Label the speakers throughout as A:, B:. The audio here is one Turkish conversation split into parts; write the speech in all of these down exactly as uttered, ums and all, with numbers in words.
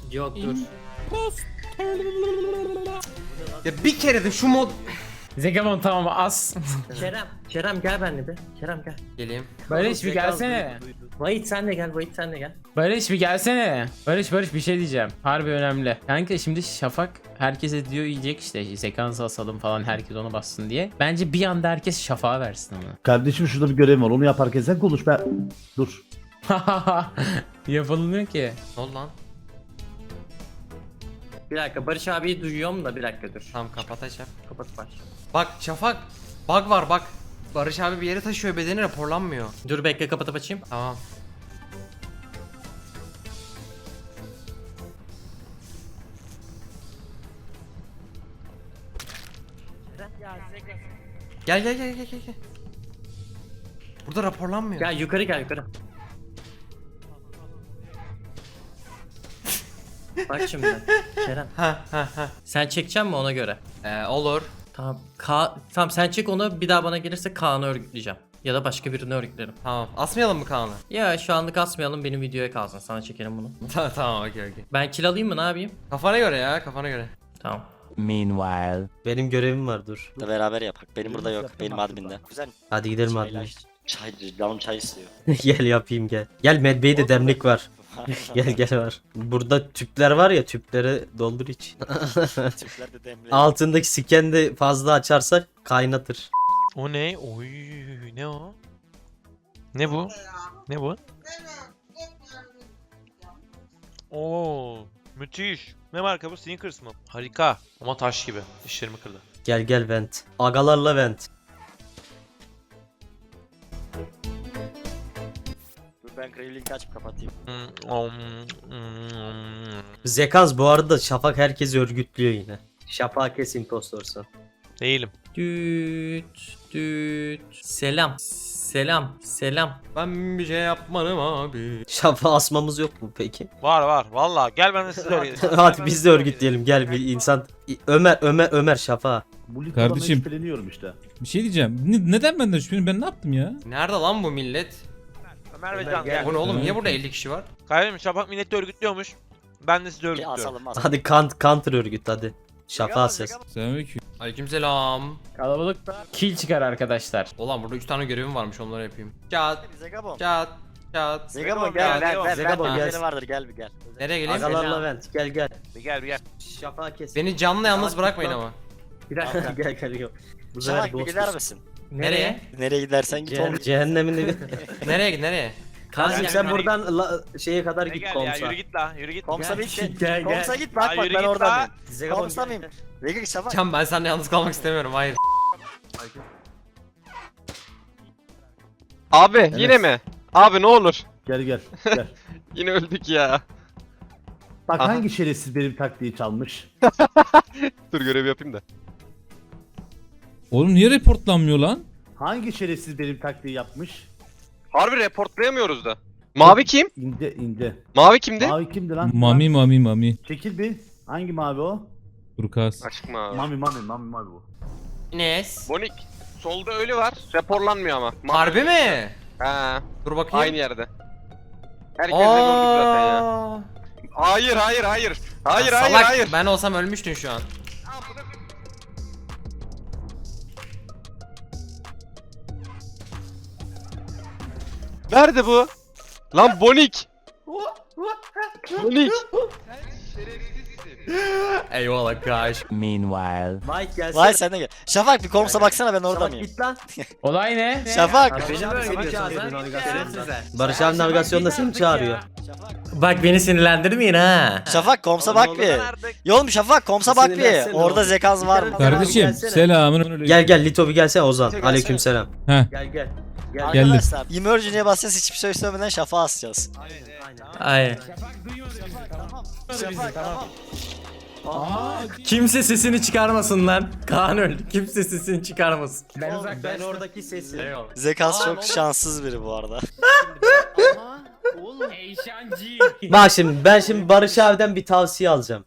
A: Yok dur.
B: Ya bir kere de şu mod...
C: Zekamon tamam as.
A: Kerem. Kerem gel benimle bir. Kerem gel.
B: Geleyim.
C: Barış bir gelsene.
A: Vahit sen de gel. Vahit sen de gel.
C: Barış bir gelsene. Barış Barış bir şey diyeceğim. Harbi önemli. Kanka şimdi Şafak herkese diyor yiyecek işte sekans asalım falan herkes onu bassın diye. Bence bir anda herkes Şafak'a versin onu.
D: Kardeşim şurada bir görevim var. Onu yaparken sen konuş ben. Dur.
C: Yapılmıyor ki.
B: Ne oldu lan?
A: Bir dakika Barış abiyi duyuyorum da bir dakika dur.
B: Tamam kapatacağım.
A: Kapat baş.
B: Bak Şafak. Bug var bak. Barış abi bir yere taşıyor, bedeni raporlanmıyor.
A: Dur bekle kapatıp açayım.
B: Tamam. Gel gel gel gel gel. gel. Burada raporlanmıyor.
A: Gel yukarı gel yukarı. Bak şimdi Kerem.
B: Ha ha ha.
A: Sen çekeceksin mi ona göre?
B: Ee, olur.
A: Tamam. Ka tamam sen çek onu, bir daha bana gelirse Kaan'ı örgütleyeceğim. Ya da başka birini örgütlerim.
B: Tamam. Asmayalım mı Kaan'ı?
A: Ya şu anlık asmayalım, benim videoya kalsın. Sana çekelim bunu.
B: tamam tamam okey okey.
A: Ben kill alayım mı, ne yapayım?
B: Kafana göre ya, kafana göre.
A: Tamam.
E: Meanwhile.
A: Benim görevim var dur.
F: Da beraber yapak. Benim burada yok. Benim adminde. Güzel.
A: Hadi gidelim
F: Çayla
A: admin.
F: iç. Çay, canım çay istiyor.
A: Gel yapayım gel. Gel Medbey'de de demlik var. Gel gel var. Burada tüpler var ya, tüpleri doldur iç.
F: Türkler de demli.
A: Altındaki siken de fazla açarsak kaynatır.
G: O ne? Oy ne o? Ne bu? Ne bu? Oo müthiş. Ne marka bu? Snickers mı? Harika. Ama taş gibi. Dişlerimi kırdı.
A: Gel gel vent. Agalarla vent.
F: Dur ben Graveling'i açıp kapatayım.
G: Hmm, om, hmm.
A: Zekans bu arada Şafak herkesi örgütlüyor yine. Şafak kes impostorsun.
G: Değilim.
A: Düt düt. Selam. Selam. Selam.
B: Ben bir şey yapmadım abi.
A: Şafak asmamız yok mu peki?
G: Var var. Vallahi gel ben de sizi örgütleyelim.
A: Hadi biz de örgütleyelim, gel bir insan. Ömer Ömer Ömer Şafak.
D: Bu Lito'dan
H: Kardeşim.
D: şüpheleniyorum işte.
H: Bir şey diyeceğim. Ne- neden benden şüpheleniyorsun? Ben ne yaptım ya?
B: Nerede lan bu millet?
G: Ömer ve Can gel.
B: Bu ne oğlum? Niye burada elli kişi var?
G: Kardeşim Şafak milleti örgütlüyormuş. Ben de sizi
F: Bir
G: örgütlüyorum.
F: asalım asalım.
A: Hadi kant counter örgüt hadi. Şafak ses.
H: Selamünaleyküm.
B: Aleykümselam.
C: Kalabalıkta kill çıkar arkadaşlar.
B: Ulan burada üç tane görevim varmış, onları yapayım. Çat
F: Zegabon.
B: çat çat.
F: Zegabon gel gel gel.
A: Zegabon,
F: Zegabon
A: gel.
F: vardır gel bir gel.
B: Nereye geleyim?
A: Agalarla vent gel gel.
G: Bir gel bir gel.
A: Şafak kes.
B: Beni canlı yalnız bırakmayın ama.
A: Bir dakika gel gel gel. Bu sefer
F: Şafak bir
A: boss
F: gider
A: boss.
F: misin?
B: Nereye?
F: Nereye gidersen git oğlum.
A: Ce- cehennemin evi.
B: Nereye git nereye?
A: Kanka
G: Gel,
A: sen
G: gel,
A: buradan la- şeye kadar
G: Ne
A: git
G: gel ya
A: komsa.
G: yürü git la yürü git.
F: Komsa
A: Gel,
F: git.
A: gel, gel.
F: Komsa git
G: Ya
F: bak bak
G: yürü
F: ben
G: git
F: oradan.
G: la.
A: Zegabon
F: Komsa
A: gel.
F: mıyım? Vega Şafak.
B: Can, ben seninle yalnız kalmak istemiyorum, hayır.
I: Abi yine mi? Abi ne olur.
D: Gel gel gel.
I: Yine öldük ya.
D: Bak
I: Aha.
D: hangi şerefsiz benim taktiği çalmış.
I: Dur görevi yapayım da.
H: Oğlum niye reportlanmıyor lan?
D: Hangi şerefsiz benim taktiği yapmış.
I: Harbi reportlayamıyoruz da. Mavi kim?
D: İnce ince.
I: Mavi kimdi?
D: Mavi kimdi lan?
H: Mami mami mami.
D: Çekil bir. Hangi mavi o?
H: Turkas.
I: Açık mavi.
D: Mami mami mami mami bu.
B: Ines.
I: Bonik. Solda ölü var. Raporlanmıyor ama. Mavi.
B: Harbi mi?
I: Ha,
B: Dur bakayım.
I: aynı yerde. Herkes de gördük zaten ya.
B: Aa.
I: Hayır hayır hayır. Hayır
B: Ya
I: hayır
B: salak,
I: hayır.
B: Ben olsam ölmüştün şu an.
I: Nerede bu? Lan Bonik. Bonik.
B: Eyvallah kardeş.
E: Meanwhile.
A: Mike gelsene.
F: Vay sen de gel. Şafak bir komsa baksana ben orada
A: Şafak
F: mıyım?
A: git lan.
E: Olay ne?
F: Şafak.
A: Beni mi örgütlüyorsun
B: Şafak,
A: senin navigasyonunda?
B: Şerefsizler.
A: Barış abi navigasyonda seni çağırıyor.
F: Şafak.
A: Bak beni sinirlendirmeyin ha.
F: Şafak komsa bak bir. Yoğlum Şafak komsa bak
A: Seni
F: bir.
A: versene
F: Orada
A: oğlum.
F: zekans var mı?
H: Kardeşim
A: gelsene.
H: selamın.
A: Gel gel Lito bir gelsene Ozan.
F: Lito
A: Aleykümselam.
H: Heh.
A: Gel gel. Gel.
H: Geldim.
F: Arkadaşlar emergency'ye basacağız hiçbir şey söylemeden Şafak'ı asacağız.
A: Aynen.
F: Şafak tamam.
A: Kimse sesini çıkarmasın lan. Kaan öldü. Kimse sesini çıkarmasın.
E: Ben
A: Ben
E: uzaklaştım.
A: oradaki sesi.
F: Zekans çok şanssız biri bu arada.
E: Eyşancı.
A: Bak şimdi ben şimdi Barış abiden bir tavsiye alacağım.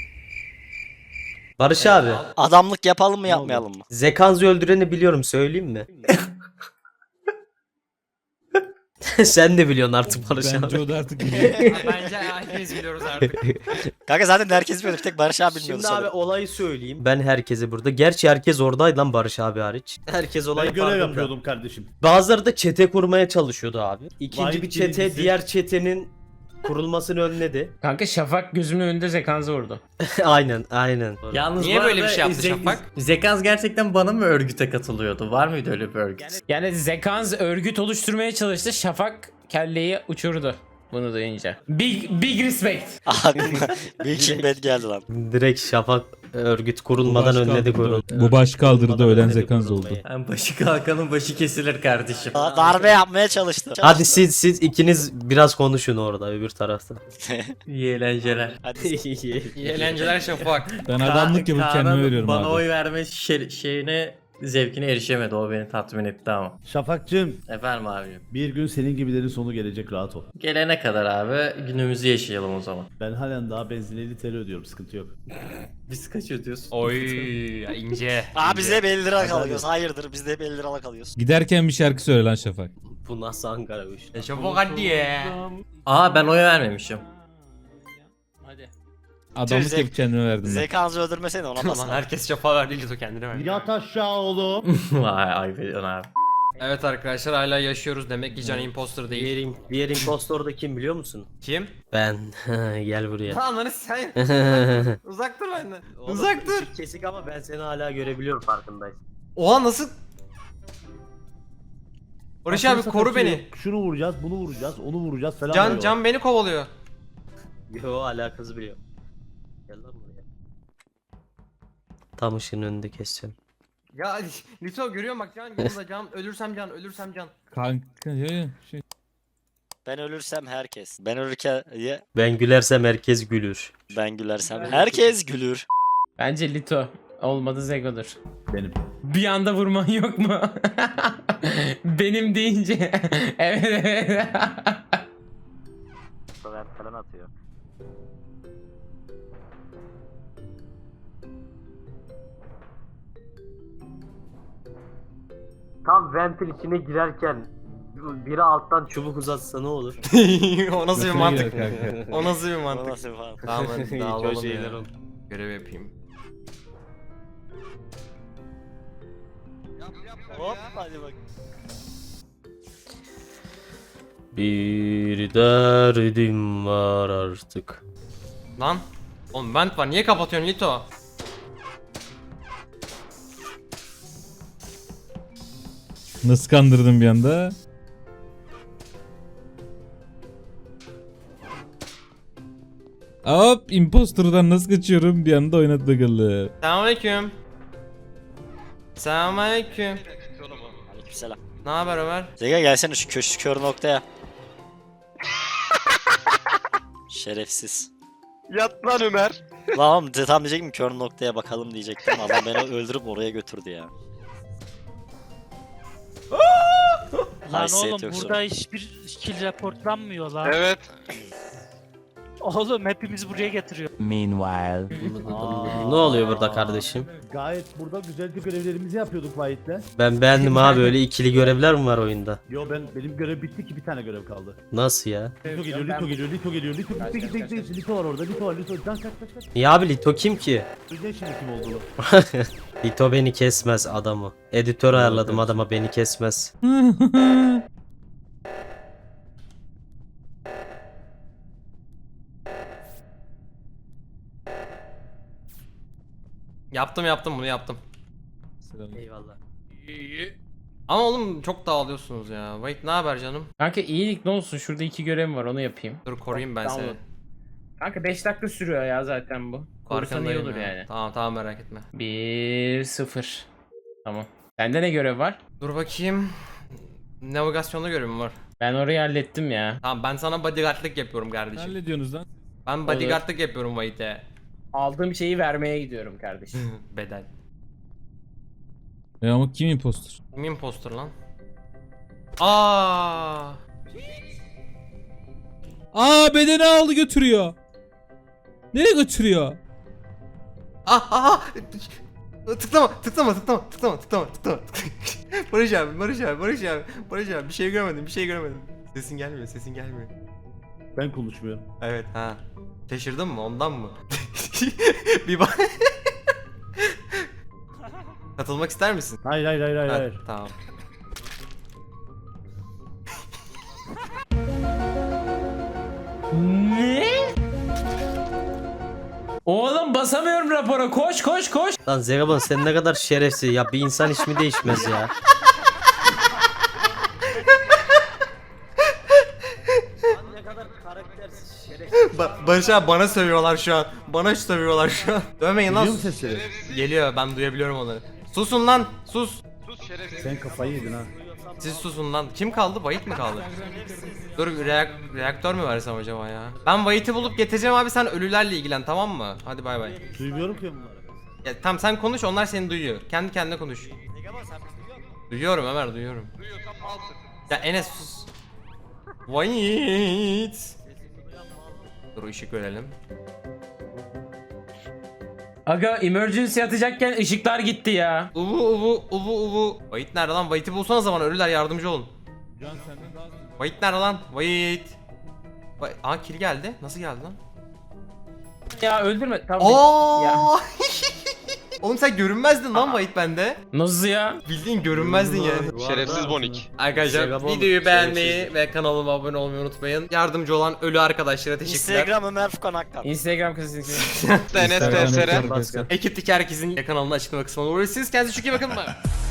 A: Barış abi,
F: Adamlık yapalım mı yapmayalım mı?
A: Zekans'ı öldüreni biliyorum, söyleyeyim mi? Sen de biliyorsun artık Barış
H: Bence
A: abi.
H: o da artık biliyor.
B: Bence hepimiz biliyoruz artık.
F: Kanka zaten herkes biliyordu. Bir tek Barış abi bilmiyordu
A: Şimdi abi
F: sanırım.
A: olayı söyleyeyim. Ben herkese burada. Gerçi herkes oradaydı lan Barış abi hariç. Herkes olayı
D: Ben görev
A: farkında.
D: yapıyordum kardeşim.
A: Bazıları da çete kurmaya çalışıyordu abi. İkinci
D: Vay
A: bir çete
D: birincisi.
A: diğer çetenin kurulmasını önledi.
C: Kanka Şafak gözümün önünde Zekans'ı vurdu.
A: aynen aynen.
B: Yalnız Niye böyle bir şey yaptı Şafak?
J: Zekans gerçekten bana mı örgüte katılıyordu? Var mıydı öyle bir örgüt?
C: Yani Zekans örgüt oluşturmaya çalıştı. Şafak kelleyi uçurdu. Bunu duyunca. Big big respect.
F: Aklıma Breaking Bad geldi lan.
A: Direkt Şafak örgüt kurulmadan
H: Bu baş
A: önledi
H: kaldırdı.
A: kurul.
H: Bu baş kaldırdı,
A: Kurulmadan
H: ölen
A: önledi
H: Zekans
A: kurulmayı.
H: oldu.
J: Yani başı kalkanın başı kesilir kardeşim.
F: Da- Darbe yapmaya çalıştı.
A: Hadi
F: Çalıştı.
A: siz siz ikiniz biraz konuşun orada öbür tarafta.
J: İyi eğlenceler.
F: Hadi.
B: İyi eğlenceler Şafak.
H: Ben adamlık yapıp
J: Kaan'ın
H: kendime veriyorum
J: bana
H: abi.
J: oy verme şe- şeyine, zevkine erişemedi. O beni tatmin etti ama.
D: Şafakcığım
J: Efendim abim.
D: bir gün senin gibilerin sonu gelecek, rahat ol.
J: Gelene kadar abi günümüzü yaşayalım o zaman.
D: Ben halen daha benzin elli T L ödüyorum, sıkıntı yok.
J: Biz kaç ödüyorsun?
B: Oy ya ince.
F: Aa biz de hep elli lira
D: Hadi
F: kalıyoruz. Hayırdır biz de hep elli lira kalıyoruz.
H: Giderken bir şarkı söyle lan Şafak.
A: Bu nasıl Ankara bu iş?
B: E Şafak hadi ya.
J: Aa ben oy vermemişim.
C: Hadi.
H: Adamlık
F: Zek-
H: yapıp kendime verdim ben.
F: Zekanızı öldürmesene ona
B: Lan
F: basın.
B: herkes Şafak verdi Lito kendine verdi.
D: Yat aşağı oğlum.
J: Vay ay veriyorsun abi.
B: Evet arkadaşlar hala yaşıyoruz demek ki Can imposter değil.
A: Diğer, im- diğer impostor da kim biliyor musun?
B: Kim?
A: Ben. Gel buraya.
B: Lan lan sen. Uzak dur benden. Uzak dur.
A: ışık kesik ama ben seni hala görebiliyorum farkındayım.
B: Oha nasıl? Barış abi
D: Aklınıza
B: koru
D: kaçıyor.
B: beni.
D: Şunu vuracağız, bunu vuracağız, onu vuracağız falan.
B: Can
D: böyle.
B: Can beni kovalıyor.
A: Yo alakası biliyor. Gel lan buraya. Tam ışığın önünde keseceğim.
B: Ya Lito görüyorum bak Can yanımda Can ölürsem Can ölürsem Can.
H: Kanka ya ya, şey.
F: Ben ölürsem herkes. Ben ölürken ya,
A: Ben gülersem herkes gülür.
F: ben gülersem herkes gülür.
C: Bence Lito. Olmadı Zego'dur.
D: Benim.
C: Bir anda vurman yok mu? Benim deyince. evet evet.
A: Sever falan atıyor. Tam ventil içine girerken biri alttan çubuk uzatsa ne olur?
B: O nasıl bir
H: Götüne
B: mantık?
H: girer kanka.
B: O nasıl bir
F: O
B: mantık?
F: nasıl falan.
B: Tamam hadi dağılalım
A: Köşe şeyler
B: ya.
A: oldu.
B: Görev yapayım.
F: Hop hadi bak.
A: Bir derdim var artık.
B: Lan. Oğlum vent var niye kapatıyorsun Lito?
H: Nasıl kandırdın bir anda? Hop, imposter'dan nasıl kaçıyorum bir anda oynadı bakalım.
B: Selamünaleyküm. Selamünaleyküm.
F: Aleykümselam.
B: Ne haber Ömer?
F: Zeka gelsene şu köşk kör noktaya. Şerefsiz.
I: Yat lan Ömer.
F: Lan oğlum de- tam diyecektim kör noktaya bakalım diyecektim. Adam beni öldürüp oraya götürdü ya.
E: Lan
F: Haysiyet
E: oğlum
F: yoksa.
E: burada hiçbir kill raportlanmıyor lan.
I: Evet.
E: Oğlum hepimiz buraya getiriyor. Meanwhile.
A: Ne oluyor burada kardeşim?
D: Gayet burada güzelce görevlerimizi yapıyorduk Vahit'le.
A: Ben beğendim abi, öyle ikili görevler mi var oyunda?
D: Yo ben benim görev bitti ki bir tane görev kaldı.
A: Nasıl ya?
D: Lito geliyor, Lito geliyor, Lito geliyor, Lito gitti gitti gitti gitti. Lito var orada, Lito var, Lito. Can kaç kaç kaç.
A: Ya abi Lito kim ki?
D: Duyacak şimdi kim olduğunu.
A: Lito beni kesmez adamı. Editör ayarladım adama, beni kesmez.
B: Yaptım yaptım bunu yaptım.
A: Eyvallah.
B: Ama oğlum çok dağılıyorsunuz ya. Wait ne haber canım?
C: Kanka iyilik ne olsun, şurada iki görevim var, onu yapayım.
B: Dur koruyayım ben
C: Tamam.
B: seni.
C: Kanka beş dakika sürüyor ya zaten bu. Korursan iyi
B: Farkındayım
C: olur
B: ya.
C: yani.
B: Tamam tamam merak etme.
C: bir sıfır. Tamam. Sende ne görev var?
B: Dur bakayım. Navigasyonda görevim var.
C: Ben orayı hallettim ya.
B: Tamam ben sana bodyguardlık yapıyorum kardeşim.
H: Hallediyorsunuz lan.
B: Ben bodyguardlık yapıyorum Wait'e.
C: Aldığım şeyi vermeye gidiyorum kardeşim.
B: Bedel.
H: Ya ama kim imposter?
B: Kim imposter lan? Aa!
H: Aa, bedeni aldı götürüyor. Nereye götürüyor?
B: Ah ah! Tıklama, tıklama, tıklama, tıklama, tıklama, tıklama. Barış abi, Barış abi, Barış abi, Barış abi bir şey görmedim, bir şey görmedim. Sesin gelmiyor, sesin gelmiyor.
D: Ben konuşmuyorum.
B: Evet ha. Şaşırdın mı ondan mı? Bir bak. Katılmak ister misin?
D: Hayır hayır hayır hayır.
B: Ha,
D: hayır.
B: tamam.
C: Ne? Oğlum basamıyorum rapora. Koş koş koş.
A: Lan Zegabon sen ne kadar şerefsiz ya, bir insan ismi değişmez ya. Ne kadar karaktersiz, şerefsiz.
B: Ba- Barış abi bana sövüyorlar şu an. Bana sövüyorlar şu an. Dövmeyin lan.
D: Duyuyor musun sesleri?
B: Geliyor, ben duyabiliyorum onları. Susun lan, sus.
D: Sen kafayı yedin ha.
B: Siz susun lan. Kim kaldı? Vahit mi kaldı? Dur reak- reaktör mü versem acaba ya? Ben Vahit'i bulup getireceğim abi, sen ölülerle ilgilen, tamam mı? Hadi bay bay.
D: Duymuyorum ki bunları.
B: Ya, tamam sen konuş, onlar seni duyuyor. Kendi kendine konuş. Duyuyorum Ömer, duyuyorum. Ya Enes sus. Vahit. Dur ışık verelim.
C: Aga emergency atacakken ışıklar gitti ya.
B: Uvu uvu uvu uvu. Vahit nerede lan? Vahit'i bulsana zaman, ölüler yardımcı olun. Vahit nerede lan? Vahit. Vahit. Aa kill geldi. Nasıl geldi lan?
C: Ya öldürme. Tamam. Ya.
B: Aa! Oğlum sen görünmezdin lan Vahit bende.
C: Nasıl ya?
B: Bildiğin görünmezdin yani.
I: Şerefsiz Bonik.
B: Arkadaşlar
A: Zegabon
B: videoyu beğenmeyi
A: şerefsizdi.
B: ve kanalıma abone olmayı unutmayın. Yardımcı olan ölü arkadaşlara teşekkürler.
F: Instagram Ömer Furkan Akkan.
C: Instagram kızı.
I: Enes T S R.
A: Pascal.
B: Ekipteki herkesin kanalını açıklama kısmına uğraşırsınız. Kendinize çok iyi bakın. Bye.